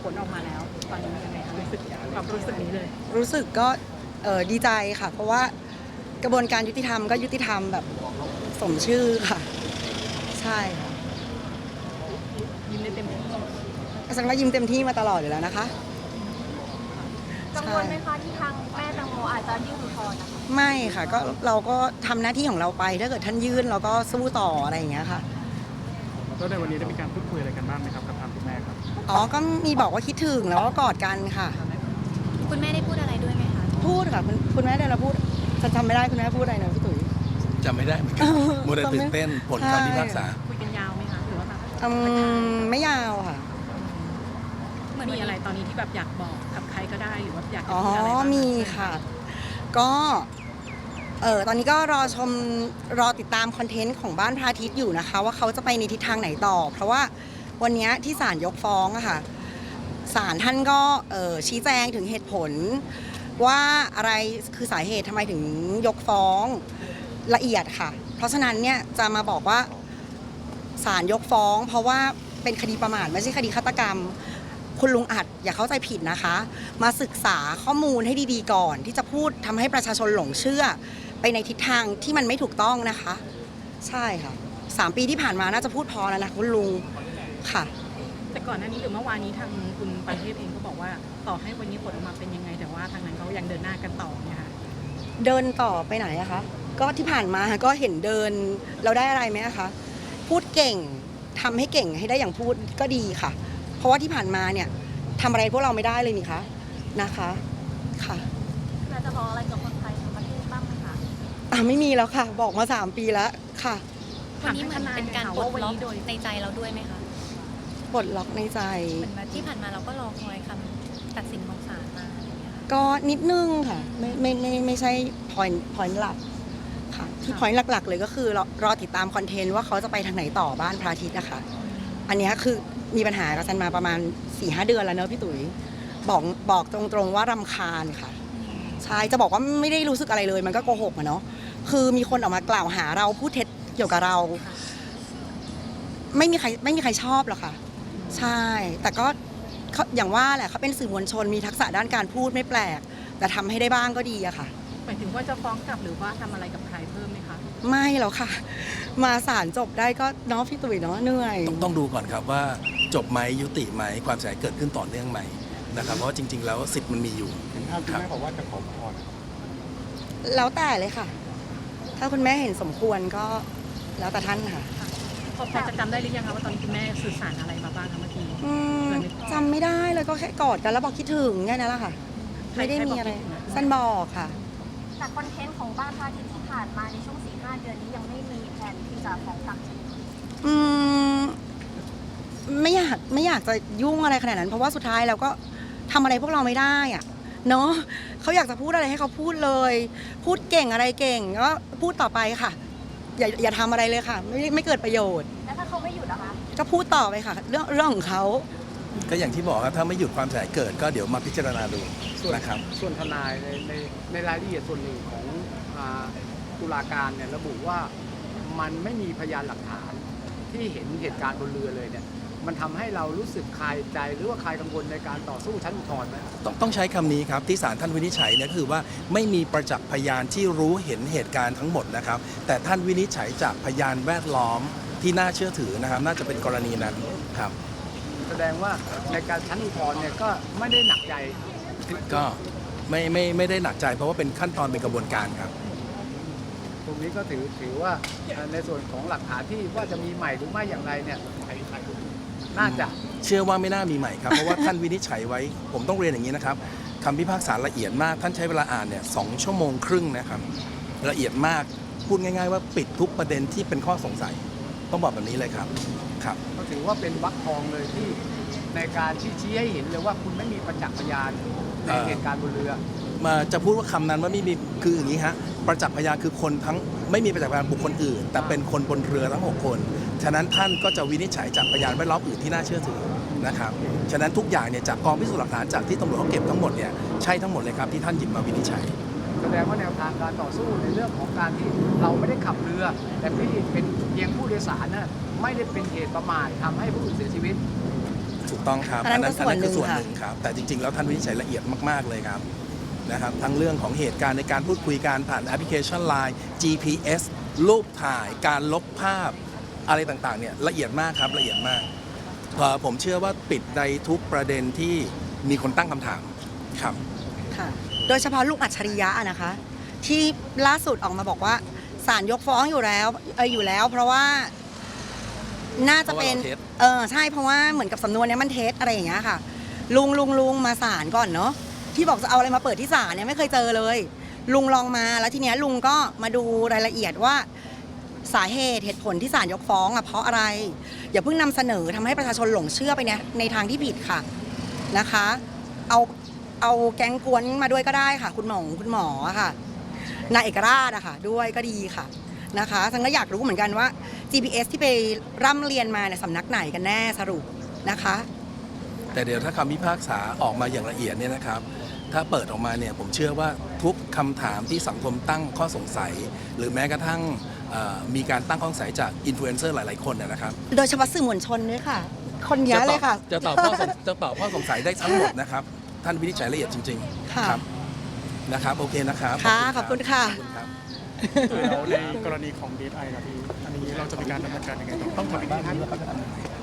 ลออกมาแล้วตอนนี้ยังไงคะรู้สึกความรู้สึกนี้เลยรู้สึกก็ดีใจค่ะ เพราะว่ากระบวนการยุติธรรมก็ยุติธรรมแบบสมชื่อค่ะใช่ค่ะยิ้มได้เต็มที่ฉันก็ยิ้มเต็มที่มาตลอดอยู่แล้วนะคะกังวลไหมคะที่ทางแม่แตงโมอาจจะยื่นอุทธรณ์นะคะไม่ค่ะก็เราก็ทำหน้าที่ของเราไปถ้าเกิดท่านยื่นเราก็สู้ต่ออะไรอย่างเงี้ยค่ะแล้วในวันนี้ได้มีการพูดคุยอะไรกันบ้างไหมครับกับทางคุณแม่ครับอ๋อก็มีบอกว่าคิดถึงแล้วก็กอดกันค่ะคุณแม่ได้พูดอะไรด้วยไหมคะพูดค่ะคุณแม่เดี๋ยวเราพูดจะจำไม่ได้คุณแม่พูดอะไรนะพี่ตุ๋ยจำไม่ได้เหมือนกันมัวแต่ตื่นเต้นผลคำพิพากษาคุยกันยาวไหมคะหรือว่าแบบไม่ยาวค่ะมีอะไรตอนนี้ที่แบบอยากบอกกับใครก็ได้หรือว่าอยากจะอ๋อพูดอะไรบ้างมีค่ะก็ตอนนี้ก็รอติดตามคอนเทนต์ของบ้านพระอาทิตย์อยู่นะคะว่าเขาจะไปในทิศทางไหนต่อเพราะว่าวันนี้ที่ศาลยกฟ้องอะค่ะศาลท่านก็ชี้แจงถึงเหตุผลว่าอะไรคือสาเหตุทำไมถึงยกฟ้องละเอียดค่ะเพราะฉะนั้นเนี่ยจะมาบอกว่าศาลยกฟ้องเพราะว่าเป็นคดีประมาทไม่ใช่คดีฆาตกรรมคุณลุงอัดอย่าเข้าใจผิดนะคะมาศึกษาข้อมูลให้ดีๆก่อนที่จะพูดทำให้ประชาชนหลงเชื่อไปในทิศทางที่มันไม่ถูกต้องนะคะใช่ค่ะ3 ปีที่ผ่านมาน่าจะพูดพอแล้วนะคุณลุงค่ะแต่ก่อนหน้านี้หรือเมื่อวานนี้ทางคุณประเทศเองก็บอกว่าต่อให้วันนี้ผลออกมาเป็นยังไงแต่ว่าทางนั้นเขายังเดินหน้ากันต่อเนี่ยค่ะเดินต่อไปไหนอะคะก็ที่ผ่านมาก็เห็นเดินเราได้อะไรไหมคะพูดเก่งทำให้เก่งให้ได้อย่างพูดก็ดีค่ะเพราะว่าที่ผ่านมาเนี่ยทำอะไรพวกเราไม่ได้เลยนี่คะนะคะค่ะเราจะบอกอะไรกับคนไทยทั้งประเทศบ้างไหมคะไม่มีแล้วค่ะบอกมา3 ปีแล้วค่ะวันนี้เหมือนเป็นการปลดล็อกในใจเราด้วยไหมคะปลดล็อกในใจเหมือนที่ผ่านมาเราก็รอคอยคำตัดสินของศาลมาอะไรอย่างเงี้ยก็นิดนึงค่ะไม่ใช่ point หลักค่ะที่ point หลักๆเลยก็คือรอติดตามคอนเทนต์ว่าเขาจะไปทางไหนต่อบ้านพระอาทิตย์นะคะอันนี้คือมีปัญหากับฉันมาประมาณ 4-5 เดือนแล้วเนอะพี่ตุ๋ยบอกตรงๆว่ารำคาญค่ะใช่จะบอกว่าไม่ได้รู้สึกอะไรเลยมันก็โกหกอะเนาะคือมีคนออกมากล่าวหาเราพูดเท็จเกี่ยวกับเราไม่มีใครชอบหรอกค่ะใช่แต่ก็อย่างว่าแหละเขาเป็นสื่อมวลชนมีทักษะด้านการพูดไม่แปลกแต่ทำให้ได้บ้างก็ดีอะค่ะหมายถึงว่าจะฟ้องกลับหรือว่าทำอะไรกับใครเพิ่มไหมคะไม่หรอกค่ะมาศาลจบได้ก็เนาะพี่ตุ๋ยเนาะเหนื่อยต้องดูก่อนครับว่าจบไหมยุติไหมความเสียหายเกิดขึ้นต่อเนื่องไหมนะครับเพราะว่าจริงๆแล้วสิทธิ์มันมีอยู่เห็นภาพคุณแม่บอกว่าจะขออุทธรณ์แล้วแต่เลยค่ะถ้าคุณแม่เห็นสมควรก็แล้วแต่ท่านค่ะพอจะจำได้หรือยังคะว่าตอนนี้คุณแม่สื่อสารอะไรมาบ้างคะเมื่อกี้จำไม่ได้เลยก็แค่กอดกันแล้วบอกคิดถึงแค่นั้นแหละค่ะไม่ได้มีอะไรสั้นบอกค่ะแต่คอนเทนต์ของบ้านพระอาทิตย์ที่ผ่านมาในช่วง 4-5 เดือนนี้ยังไม่มีแผนที่จะฟ้องกลับไม่อยากจะยุ่งอะไรขนาดนั้นเพราะว่าสุดท้ายเราก็ทำอะไรพวกเราไม่ได้อะเนาะเขาอยากจะพูดอะไรให้เขาพูดเลยพูดเก่งอะไรเก่งก็พูดต่อไปค่ะอย่าทำอะไรเลยค่ะไม่เกิดประโยชน์แล้วถ้าเขาไม่หยุดนะคะก็พูดต่อไปค่ะเรื่องของเขาก็อย่างที่บอกครับถ้าไม่หยุดความเสียหายเกิดก็เดี๋ยวมาพิจารณาดูนะครับส่วนทนายในรายละเอียดส่วนหนึ่งของตุลาการเนี่ยระบุว่ามันไม่มีพยานหลักฐานที่เห็นเหตุการณ์บนเรือเลยเนี่ยมันทำให้เรารู้สึกคลายใจหรือว่าคลายกังวลในการต่อสู้ชั้นอุทธรณ์ไหมต้องใช้คำนี้ครับที่ศาลท่านวินิจฉัยเนี่ยคือว่าไม่มีประจักษ์พยานที่รู้เห็นเหตุการณ์ทั้งหมดนะครับแต่ท่านวินิจฉัยจากพยานแวดล้อมที่น่าเชื่อถือนะครับน่าจะเป็นกรณีนั้นครับแสดงว่าในการชั้นอุทธรณ์เนี่ยก็ไม่ได้หนักใจก็ไม่ได้หนักใจเพราะว่าเป็นขั้นตอนเป็นกระบวนการครับตรงนี้ก็ถือว่าในส่วนของหลักฐานที่ว่าจะมีใหม่หรือไม่อย่างไรเนี่ยน่าจะเชื่อว่าไม่น่ามีใหม่ครับเพราะว่าท่านวินิจฉัยไว้ผมต้องเรียนอย่างนี้นะครับคำพิพากษาละเอียดมากท่านใช้เวลาอ่านเนี่ย2 ชั่วโมงครึ่งนะครับละเอียดมากพูดง่ายๆว่าปิดทุกประเด็นที่เป็นข้อสงสัยต้องบอกแบบนี้เลยครับก็ถือว่าเป็นวรรคทองเลยที่ในการชี้ให้เห็นเลยว่าคุณไม่มีประจักษ์พยานในเหตุการณ์บนเรือมาจะพูดว่าคำนั้นว่าไม่มีคืออย่างนี้ฮะประจักษ์พยานคือคนทั้งไม่มีประจักษ์พยานบุคคลอื่นแต่เป็นคนบนเรือทั้ง6 คนฉะนั้นท่านก็จะวินิจฉัยจากพยานแวดล้อมอื่นที่น่าเชื่อถือนะครับฉะนั้นทุกอย่างเนี่ยจากกองพิสูจน์หลักฐานจากที่ตำรวจเขาเก็บทั้งหมดเนี่ยใช่ทั้งหมดเลยครับที่ท่านหยิบมาวินิจฉัยแสดงว่าแนวทางการต่อสู้ในเรื่องของการที่เราไม่ได้ขับเรือแต่พี่เป็นเพียงผู้โดยสารน่ะไม่ได้เป็นเหตุประมาททำให้ผู้อื่นเสียชีวิตถูกต้องครับอันนั้นก็ส่วนหนึ่งคือส่วนค่ะหนึ่งครับแต่จริงๆแล้วท่านวินิจฉัยละเอียดมากๆเลยครับนะครับทั้งเรื่องของเหตุการณ์ในการพูดคุยการผ่านแอปพลิเคชัน Line GPS รูปถ่ายการลบภาพอะไรต่างๆเนี่ยละเอียดมากครับละเอียดมากผมเชื่อว่าปิดในทุกประเด็นที่มีคนตั้งคำถามครับค่ะโดยเฉพาะลูกอัจฉริยะอะนะคะ ที่ล่าสุดออกมาบอกว่าศาลยกฟ้องอยู่แล้วเพราะว่าน่าจะเป็นเพราะว่าเราเท็จใช่เพราะว่าเหมือนกับสำนวนเนี้ยมันเท็จอะไรอย่างเงี้ยค่ะ ลุงมาศาลก่อนเนาะที่บอกจะเอาอะไรมาเปิดที่ศาลเนี่ยไม่เคยเจอเลย ลุงลองมาแล้วทีเนี้ยลุงก็มาดูรายละเอียดว่าสาเหตุผลที่ศาลยกฟ้องอะเพราะอะไร อย่าเพิ่งนำเสนอทำให้ประชาชนหลงเชื่อไปเนี่ยในทางที่ผิดค่ะนะคะ เอาแก๊งกวนมาด้วยก็ได้ค่ะ คุณหมอค่ะนายเอกราชอะค่ะด้วยก็ดีค่ะนะคะฉันก็อยากรู้เหมือนกันว่า GPS ที่ไปร่ำเรียนมาเนี่ยสำนักไหนกันแน่สรุปนะคะแต่เดี๋ยวถ้าคำพิพากษาออกมาอย่างละเอียดเนี่ยนะครับ ถ้าเปิดออกมาเนี่ยผมเชื่อว่าทุกคำถามที่สังคมตั้งข้อสงสัย หรือแม้กระทั่งมีการตั้งข้อสงสัยจากอินฟลูเอนเซอร์หลายๆคนนะครับโดยเฉพาะสื่อมวลชนด้วยค่ะ คนเยอะเลยค่ะจะตอบข้อสงสัยได้ทั้งหมดนะครับ ท่านวินิจฉัยละเอียดจริงค่ะๆครับนะครับโอเคนะครับค่ะขอบคุณค่ะขอบคุณครับแล้วในกรณีของ DSI ครับพี่ อันนี้เราจะมีการดำเนินการยังไงต่อต้องถามบ้านนี้ว่าเขาจะทำยังไง